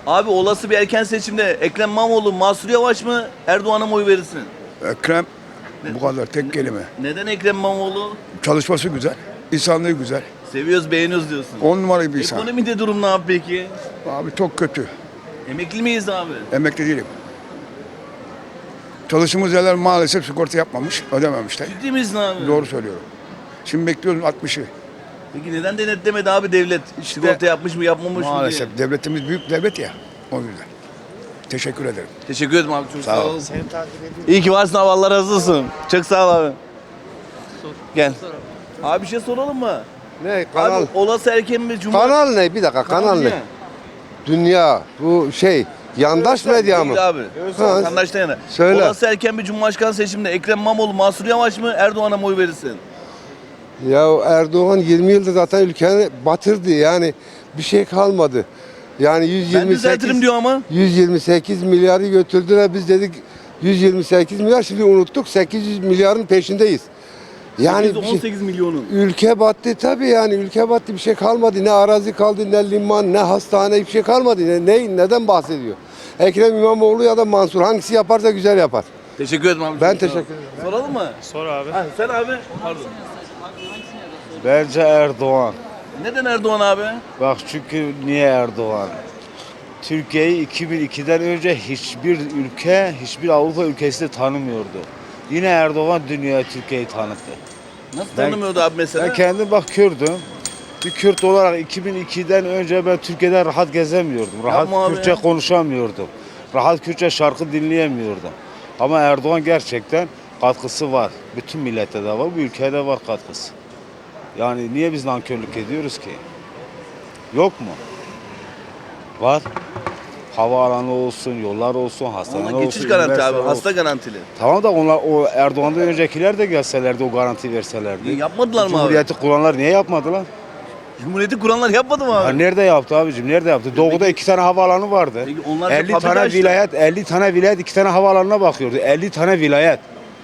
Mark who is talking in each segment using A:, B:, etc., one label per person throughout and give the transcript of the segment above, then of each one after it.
A: Abi olası bir erken seçimde Ekrem İmamoğlu, Mansur Yavaş mı, Erdoğan'a mı oy verirsin?
B: Ekrem bu kadar tek kelime.
A: Neden Ekrem İmamoğlu?
B: Çalışması güzel, insanlığı güzel.
A: Seviyoruz, beğeniyoruz diyorsun.
B: 10 numara bir insan.
A: Ekonomide durum ne abi peki?
B: Abi çok kötü.
A: Emekli miyiz abi?
B: Emekli değilim. Çalıştığımız yerler maalesef sigorta yapmamış, ödememişler.
A: Ciddi miyiz abi?
B: Doğru söylüyorum. Şimdi bekliyoruz 60'ı.
A: Peki neden denetlemedi abi devlet? Sigorta yapmış mı yapmamış mı diye?
B: Maalesef devletimiz büyük devlet ya. O yüzden. Teşekkür ederim.
A: Teşekkür ederim abi, çok
B: Sağ ol.
A: ol. İyi ki varsın abi, Allah razı olsun. Çok sağ ol abi. Gel. Abi bir şey soralım mı?
C: Ne kanal?
A: Abi olası erken mi
C: Kanal ne? Bir dakika kanal ne? Dünya. Bu şey yandaş medya mı?
A: Değil abi.
C: Ha.
A: Vatandaştan yana.
C: Söyle.
A: Olası erken bir cumhurbaşkanı seçiminde Ekrem İmamoğlu, Mansur Yavaş mı, Erdoğan'a mı oy verirsin?
C: Ya Erdoğan 20 yıldır zaten ülkeyi batırdı yani bir şey kalmadı. Yani
A: Ben düzeltirim diyor ama.
C: 128 milyarı götürdüler biz dedik 128 milyar şimdi unuttuk 800 milyarın peşindeyiz. Yani bir şey-
A: 18 milyonun.
C: ülke battı tabii yani ülke battı bir şey kalmadı. Ne arazi kaldı ne liman ne hastane hiçbir şey kalmadı. Neden bahsediyor? Ekrem İmamoğlu ya da Mansur hangisi yaparsa güzel yapar.
A: Teşekkür ederim abi.
C: Ben
A: çok sağ ol.
C: teşekkür ederim.
A: Soralım mı?
D: Sor abi.
A: Ha, sen abi. Pardon.
E: Bence Erdoğan.
A: Neden Erdoğan abi?
E: Bak çünkü niye Erdoğan? Türkiye'yi 2002'den önce hiçbir ülke, hiçbir Avrupa ülkesi de tanımıyordu. Yine Erdoğan dünyaya Türkiye'yi tanıttı.
A: Nasıl
E: Ben-
A: tanımıyordu abi mesela?
E: Ben kendim bak Kürdüm. Bir Kürt olarak 2002'den önce ben Türkiye'de rahat gezemiyordum. Rahat
A: Yapma abi
E: Kürtçe
A: ya.
E: konuşamıyordum. Rahat Kürtçe şarkı dinleyemiyordum. Ama Erdoğan gerçekten katkısı var. Bütün millete de var, bu ülkeye de var katkısı. Yani niye biz nankörlük ediyoruz ki? Yok mu? Var. Havaalanı olsun, yollar olsun, hastane
A: Ama
E: olsun.
A: geçiş garanti
E: üniversite
A: abi.
E: olsun.
A: Hasta garantili.
E: Tamam da onlar o Erdoğan'dan öncekiler de gelselerdi o garanti verselerdi.
A: Niye yapmadılar mı abi?
E: Cumhuriyeti kuranlar niye yapmadılar?
A: Cumhuriyeti kuranlar yapmadı mı
E: Ya
A: abi?
E: nerede yaptı abicim? Nerede yaptı? Doğuda 2 tane havaalanı vardı.
A: Peki onlar
E: 50
A: fabrika
E: tane
A: açtı.
E: vilayet, 50 tane vilayet 2 tane havaalanına bakıyordu. 50 tane vilayet.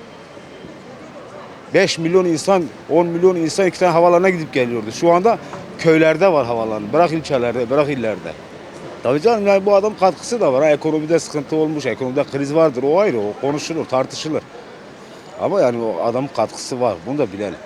E: 5 milyon insan, 10 milyon insan 2 tane havaalanına gidip geliyordu. Şu anda köylerde var havaalanı. Bırak ilçelerde, bırak illerde. Tabii canım yani bu adam katkısı da var. Ha, ekonomide sıkıntı olmuş, ekonomide kriz vardır. O ayrı, o konuşulur, tartışılır. Ama yani o adamın katkısı var. Bunu da bilelim.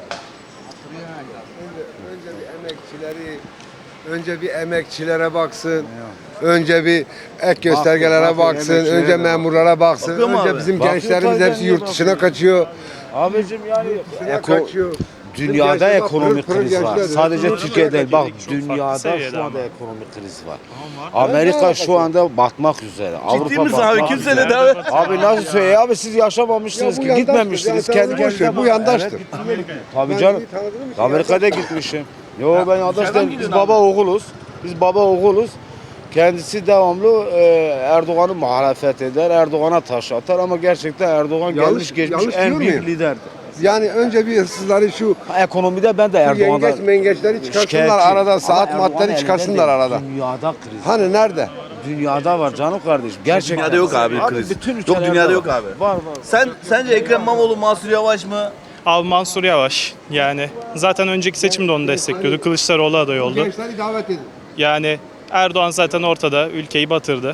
C: Önce bir emekçilere baksın. Önce bir ek göstergelere
E: bakın,
C: baksın.
E: emekçilere
C: Önce
E: de
C: memurlara baksın.
A: Bakıyor mu
C: Önce
A: abi?
C: bizim
E: Bakıyor
C: gençlerimiz
E: tabii,
C: hepsi
E: niye
C: yurt dışına
E: bakmıyor?
C: kaçıyor.
E: Abicim yani
C: Kaçıyor.
E: dünyada
C: Gençler bak,
E: ekonomik
C: pırıl pırıl
E: kriz var.
C: gençler.
E: Sadece
C: Pırıl
E: Türkiye'de değil. Bak
D: Çok farklı
E: dünyada
D: seviyede
E: şu anda
D: ama.
E: ekonomik kriz var. Amerika şu anda batmak üzere.
A: Ciddi misin abi?
E: batmak
A: Kim
E: üzere.
A: söyledi abi?
E: Abi nasıl söylüyor? Abi siz yaşamamışsınız
C: Ya bu
E: ki.
C: yandaştır.
E: Gitmemişsiniz.
C: Ya
E: Kendi
C: sen boş ver,
E: kendinize
C: bu
E: bak.
C: yandaştır.
E: Evet, tabii
C: Ben
E: canım.
C: iyi tanıdığım için
E: Amerika'da gitmişim. Yo ben yandaş değilim. Biz
A: gidiyorsun
E: baba oğuluz. Biz baba oğuluz. Kendisi devamlı Erdoğan'ı muhalefet eder, Erdoğan'a taş atar ama gerçekten Erdoğan gelmiş geçmiş
C: yanlış
E: en
C: diyor
E: büyük
C: muyum?
E: liderdir.
C: Yani önce bir hırsızları şu
E: Ekonomide ben de
C: yengeç
E: Erdoğan'dan
C: mengeçleri çıkarsınlar
E: şikayetçiyim.
C: arada
E: Ama
C: saat
E: Erdoğan
C: maddeleri
E: elinde
C: çıkarsınlar
E: değil.
C: arada.
E: Dünyada kriz.
C: Hani nerede?
E: Dünyada var canım kardeşim. Gerçekten.
A: Dünyada yok abi kriz.
E: Bütün
A: Yok,
E: ülkelerde
A: dünyada
E: var.
A: yok abi.
E: Var.
A: Sence Ekrem İmamoğlu, Mansur Yavaş mı?
D: Abi Mansur Yavaş. Yani zaten önceki seçimde onu destekliyordu. Kılıçdaroğlu aday oldu.
C: Gençleri davet edin.
D: Yani Erdoğan zaten ortada. Ülkeyi batırdı.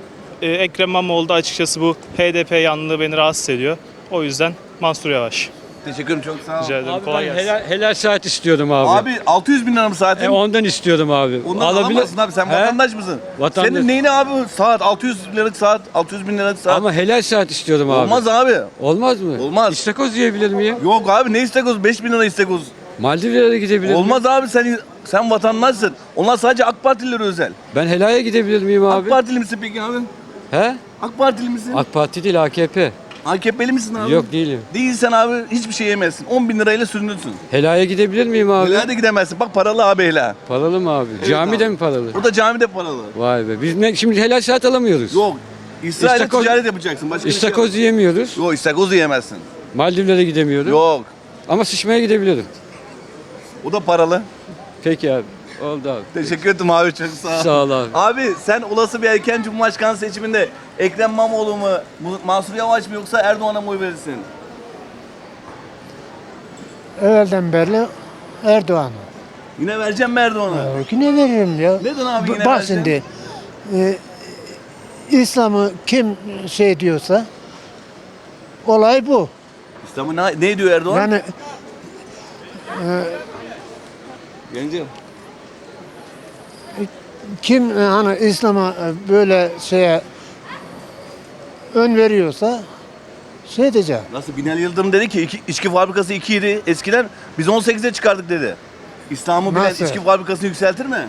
D: Ekrem İmamoğlu da açıkçası bu HDP yanlılığı beni rahatsız ediyor. O yüzden Mansur Yavaş.
A: Teşekkür ederim, çok sağ ol.
D: Rica ederim.
F: Abi
D: Kolay
F: ben
D: gelsin.
F: helal saat istiyordum abi.
A: Abi 600 bin lira mı saatin?
F: Ondan istiyordum abi.
A: Ondan alamazsın abi, sen
F: He?
A: vatandaş mısın?
F: Vatandaş.
A: Senin neyine abi saat, 600 liralık saat, 600 bin liralık saat?
F: Ama helal saat istiyordum abi.
A: Olmaz abi.
F: Olmaz mı?
A: Olmaz.
F: İstakoz yiyebilir miyim?
A: Yok abi, ne istekoz? 5 bin lira istekoz.
F: Maldivlere gidebilir miyim?
A: Olmaz abi, sen vatandaşsın. Onlar sadece AK Partililere özel.
F: Ben helaya gidebilir miyim
A: AK
F: abi?
A: Partili misin peki abi?
F: He?
A: AK Partili misin?
F: AK Parti değil AKP.
A: AKP'li misin abi?
F: Yok değilim.
A: Değilsen abi hiçbir şey yemezsin. 10 bin lirayla sürünürsün.
F: Helaya gidebilir miyim abi?
A: Helal de gidemezsin. Bak paralı abi helal.
F: Paralı mı abi? Cami de mi paralı?
A: Burada camide paralı.
F: Vay be. Biz şimdi helal saat alamıyoruz.
A: Yok. İsrail'e
F: İstakoz-
A: ticaret yapacaksın. Başka bir şey
F: İstakoz
A: yok.
F: yiyemiyoruz.
A: Yok, istakoz yiyemezsin.
F: Maldivlere gidemiyorum.
A: Yok.
F: Ama sıçmaya gidebilirim.
A: O da paralı.
F: Peki abi. Oldu abi.
A: Teşekkür ederim abi, çok sağ ol.
F: Sağ ol abi.
A: Abi sen olası bir erken Cumhurbaşkanı seçiminde Ekrem İmamoğlu mu, Mansur Yavaş mı yoksa Erdoğan'a mı oy verirsin?
G: Evvelden beri Erdoğan'a.
A: Yine vereceğim mi Erdoğan'a?
G: Yine veririm ya.
A: Neden abi yine
G: Bak
A: vereceksin?
G: şimdi İslam'ı kim şey diyorsa olay bu.
A: İslam'ı ne diyor Erdoğan?
G: Yani
A: Gencim.
G: kim hani İslam'a böyle şeye ön veriyorsa şey diyeceğim.
A: Nasıl Binali Yıldırım dedi ki içki fabrikası 2 idi eskiden, biz 18'e çıkardık dedi. İslam'ı bilen
G: Nasıl?
A: içki fabrikasını yükseltir mi?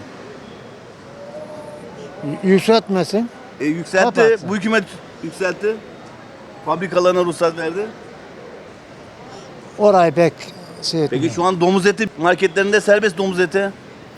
G: Yükseltmesin.
A: Yükseltti.
G: Kapatsın.
A: Bu hükümet yükseltti. Fabrikalarına ruhsat verdi.
G: Orayı pek şey
A: Peki
G: etmiyor.
A: şu an domuz eti marketlerinde serbest, domuz eti.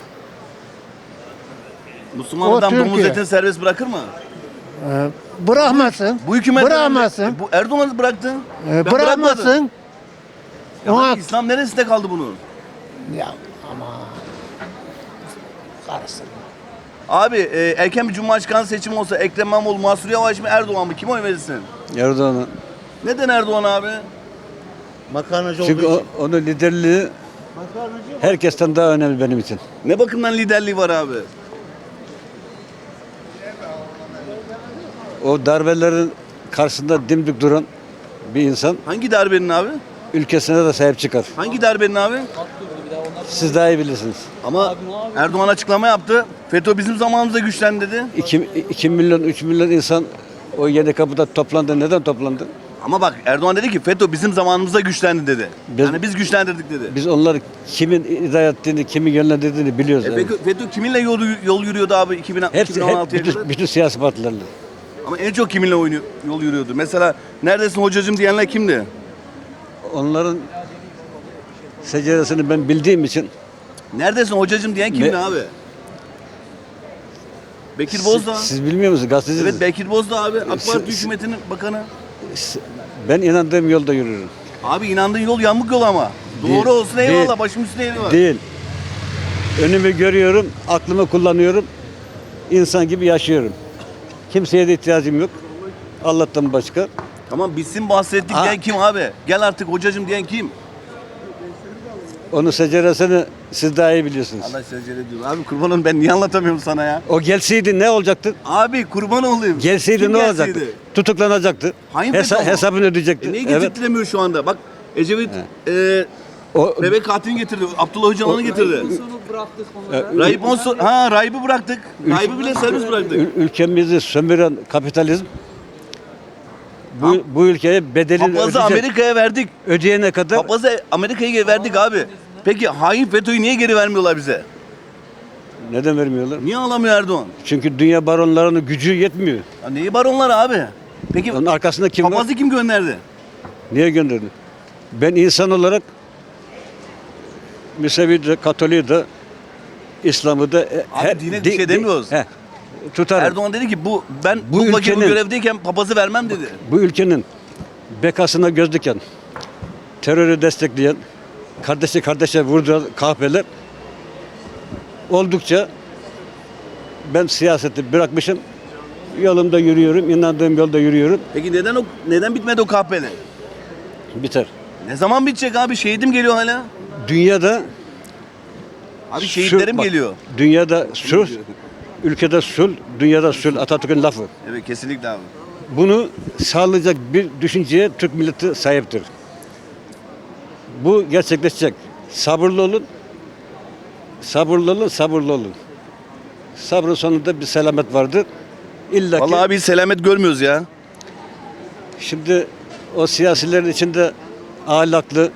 A: Müslüman
G: O
A: adam domuz
G: Türkiye.
A: etini serbest bırakır mı?
G: Bırakmasın.
A: Bu hükümet
G: Bırakmasın.
A: Bu Erdoğan bıraktı. Ben bırakmadım.
G: Bırakmasın.
A: Ya
G: Ona
A: İslam neresinde kaldı bunun?
G: ya ama karıştırma.
A: Abi erken bir Cumhurbaşkanı seçimi olsa Ekrem İmamoğlu, Mansur Yavaş mı, Erdoğan mı? Kime oy verirsin?
F: Erdoğan'a.
A: Neden Erdoğan abi?
F: Çünkü onun liderliği herkesten daha önemli benim için.
A: Ne bakımdan liderliği var abi?
F: O darbelerin karşısında dimdik duran bir insan
A: Hangi darbenin abi?
F: ülkesine de sahip çıkar.
A: Hangi darbenin abi?
F: Siz daha iyi bilirsiniz.
A: Ama Erdoğan açıklama yaptı. FETÖ bizim zamanımızda güçlendi dedi.
F: 2 milyon, 3 milyon insan o yeni kapıda toplandı. Neden toplandı?
A: Ama bak Erdoğan dedi ki FETÖ bizim zamanımızda güçlendi dedi.
F: Biz-
A: Yani biz güçlendirdik dedi.
F: Biz onları kimin idare ettiğini, kimin yönlendirdiğini biliyoruz.
A: Peki FETÖ kiminle yol yürüyordu abi 2016'ya
F: bütün,
A: kadar?
F: bütün siyasi partilerle.
A: Ama en çok kiminle yol yürüyordu? Mesela neredesin hocacığım diyenler kimdi?
F: Onların seceresini ben bildiğim için
A: Neredesin hocacığım diyen kimdi
F: Ne-
A: abi? Bekir Bozdağ.
F: siz bilmiyor musunuz gazetecisiniz?
A: Evet Bekir Bozdağ abi. AK Parti
F: Siz-
A: hükümetinin bakanı.
F: Ben inandığım yolda yürürüm.
A: Abi inandığın yol yamuk yol ama.
F: Değil,
A: Doğru olsun
F: değil.
A: eyvallah, başım üstüne yeri var.
F: Değil. Önümü görüyorum, aklımı kullanıyorum. İnsan gibi yaşıyorum. Kimseye de ihtiyacım yok. Allah'tan başka.
A: Tamam bitsin bahsettik
F: Ha.
A: diyen kim abi? Gel artık hocacığım diyen kim?
F: Onun seceresini siz daha iyi biliyorsunuz.
A: Allah secere diyor. Abi kurban olayım, ben niye anlatamıyorum sana ya?
F: O gelseydi ne olacaktı?
A: Abi kurban olayım.
F: Gelseydi
A: Kim
F: ne
A: gelseydi?
F: olacaktı? Tutuklanacaktı.
A: Hangi FETÖ ama?
F: Hesabını ödeyecekti.
A: Niye
F: Evet.
A: getirtilemiyor şu anda? Bak Ecevit
F: O,
A: bebek katilini getirdi. Abdullah Öcalan'ı getirdi. Rahip'i bıraktık. Rahip'i bile serbest bıraktık.
F: ülkemizi sömüren kapitalizm bu ülkeye bedelini
A: Papazı Amerika'ya verdik.
F: ödeyene kadar
A: Papazı Amerika'ya verdik abi. Peki hain FETÖ'yü niye geri vermiyorlar bize?
F: neden vermiyorlar?
A: Niye alamıyor Erdoğan?
F: Çünkü dünya baronlarının gücü yetmiyor.
A: Ya neyi baronlar abi? Peki
F: Onun arkasında kim var?
A: papazı kim gönderdi?
F: Niye gönderdi? Ben insan olarak Müsevi de, Katolik'i de, İslam'ı da
A: dine bir şey demiyoruz.
F: tutarım.
A: Erdoğan dedi ki ben
F: Bu
A: bu
F: ülkenin-
A: görevdeyken papazı vermem dedi.
F: Bu ülkenin bekasına göz diken, terörü destekleyen, kardeşi kardeşe vurduran kahpeler oldukça ben siyaseti bırakmışım. Yolumda yürüyorum, inandığım yolda yürüyorum.
A: Peki neden bitmedi o kahpeli?
F: Biter.
A: Ne zaman bitecek abi? Şehidim geliyor hala.
F: Dünyada
A: Abi şehitlerim
F: bak,
A: geliyor.
F: Dünyada sulh, ülkede sulh, dünyada sulh. Atatürk'ün lafı.
A: Evet kesinlikle abi.
F: Bunu sağlayacak bir düşünceye Türk milleti sahiptir. Bu gerçekleşecek. Sabırlı olun. Sabırlı olun, sabırlı olun. Sabrın sonunda bir selamet vardır. İlla ki
A: Vallahi abi selamet görmüyoruz ya.
F: şimdi o siyasilerin içinde ahlaklı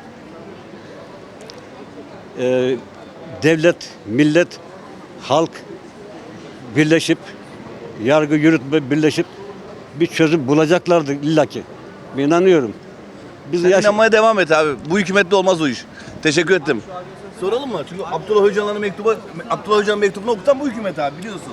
F: devlet, millet, halk birleşip yargı yürütme birleşip bir çözüm bulacaklardır illaki. Ben inanıyorum. Biz
A: Sen
F: yaş-
A: inanmaya devam et abi. Bu hükümette olmaz o iş. Teşekkür ettim. Soralım mı? Çünkü Abdullah Öcalan'ın mektubunu okutan bu hükümet abi biliyorsun.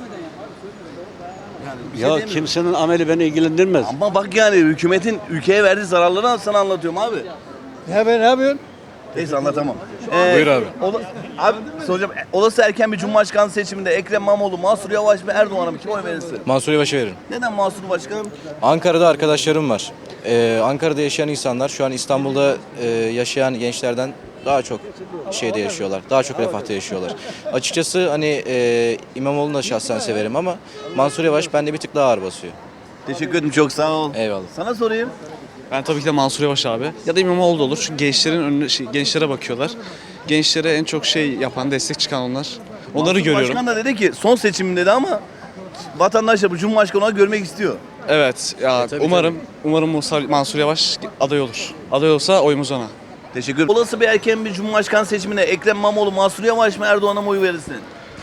A: Yani bir şey
F: ya
A: diyemiyorum.
F: kimsenin ameli beni ilgilendirmez.
A: Ama bak yani hükümetin ülkeye verdiği zararları sana anlatıyorum abi.
G: Ya ben ne yapıyorsun?
A: Neyse anlatamam.
H: Buyur abi.
A: Abi soracağım. Olası erken bir Cumhurbaşkanı seçiminde Ekrem İmamoğlu, Mansur Yavaş mı, Erdoğan'a mı? Kime oy verirsin?
H: Mansur Yavaş'a veririm.
A: Neden Mansur Başkanım?
H: Ankara'da arkadaşlarım var. Ankara'da yaşayan insanlar şu an İstanbul'da yaşayan gençlerden daha çok şeyde yaşıyorlar. Daha çok refahta yaşıyorlar. Açıkçası hani İmamoğlu'nu da şahsen severim ama Mansur Yavaş bende bir tık daha ağır basıyor.
A: Teşekkür ederim, çok sağ ol.
H: Eyvallah.
A: Sana sorayım.
I: Ben tabii ki de Mansur Yavaş abi. Ya da İmamoğlu da olur. Çünkü gençlerin önüne, gençlere bakıyorlar. Gençlere en çok şey yapan, destek çıkan onlar. Onları
A: Mansur
I: görüyorum.
A: Başkan da dedi ki son seçim dedi ama vatandaş da bu Cumhurbaşkanı olarak görmek istiyor.
I: Evet. Ya umarım Mansur Yavaş aday olur. Aday olsa oyumuz ona.
A: Teşekkür ederim. Olası bir erken bir Cumhurbaşkanı seçimine Ekrem İmamoğlu, Mansur Yavaş mı, Erdoğan'a mı oy verirsin?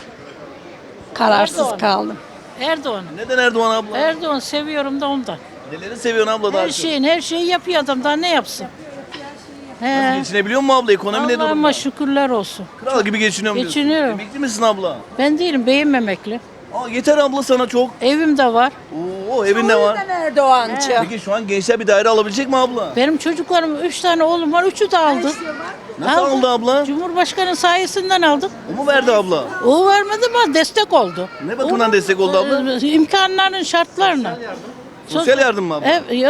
J: Kararsız kaldım.
K: Erdoğan.
A: Neden Erdoğan abla?
K: Erdoğan seviyorum da ondan.
A: Neleri seviyorsun abla daha çok?
K: Her şeyi yapıyor adam, daha ne yapsın?
A: Nasıl geçinebiliyor mu abla? Ekonomi ne durumda?
K: Allah'ıma şükürler olsun.
A: Kral gibi geçiniyorum diyorsun.
K: Geçiniyorum.
A: Emekli misin abla?
K: Ben değilim, beyim emekli.
A: Aa, yeter abla sana çok.
K: Evim de var.
A: Oo, evin de var.
J: Erdoğancı.
A: Peki şu an gençler bir daire alabilecek mi abla?
K: Benim çocuklarım, 3 tane oğlum var, 3'ü de aldı.
A: Nasıl aldı abla?
K: Cumhurbaşkanı sayesinden aldık.
A: O mu verdi abla?
K: O vermedi ama destek oldu.
A: Ne bakımdan destek oldu abla?
K: İmkanların şartlarına.
A: Sosyal yardım mı abla?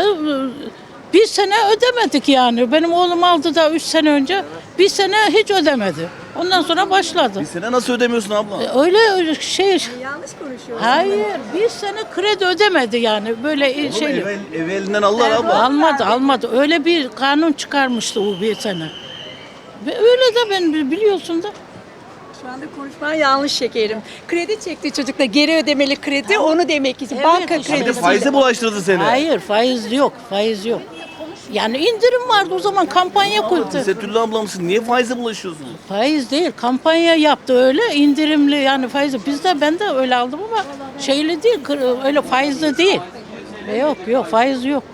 K: Bir sene ödemedik yani. Benim oğlum aldı da 3 sene önce. Bir sene hiç ödemedi. Ondan sonra başladı.
A: Bir sene nasıl ödemiyorsun abla?
K: Öyle şey.
J: Yanlış konuşuyorsun.
K: Hayır, bir sene kredi ödemedi yani böyle
A: Oğlum
K: şey.
A: evi elinden aldılar abla.
K: Almadı. Öyle bir kanun çıkarmıştı o bir sene. Ve öyle de ben biliyorsun da.
J: Şu anda konuşman yanlış şekerim. Kredi çekti çocuklar. Geri ödemeli kredi onu demek için. Banka
K: işte.
A: Bir de
J: kredisi.
A: faize bulaştırdı seni.
K: Hayır, faiz yok. Yani indirim vardı o zaman, kampanya koydu.
A: Tesettürlü abla mısın? Niye faize bulaşıyorsun?
K: Faiz değil, kampanya yaptı öyle indirimli yani faiz. Ben de öyle aldım ama şeyli değil, öyle faizli değil. Yok faiz yok.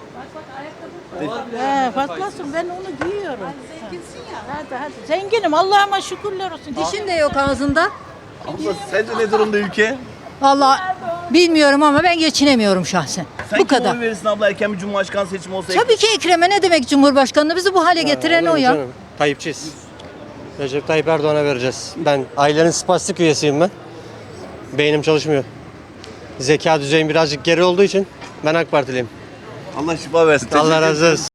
K: Patlasın, ben onu giyiyorum. Zenginsin ya. Hadi. Zenginim, Allah'ıma şükürler olsun.
J: Dişin de yok ağzında.
A: Abla sence ne durumda ülke?
J: Vallahi bilmiyorum ama ben geçinemiyorum şahsen.
A: Sen
J: Bu
A: kime
J: kadar.
A: oy verirsin abla erken bir Cumhurbaşkanı seçimi olsa?
J: Tabii ki Ekrem'e ne demek Cumhurbaşkanı? Bizi bu hale getiren o ya.
G: Tayyipçiyiz. Recep Tayyip Erdoğan'a vereceğiz. Ben ailenin spastik üyesiyim ben. Beynim çalışmıyor. Zeka düzeyim birazcık geri olduğu için ben AK Partiliyim.
A: Allah şifa versin.
G: Allah
A: Teşekkür
G: razı olsun.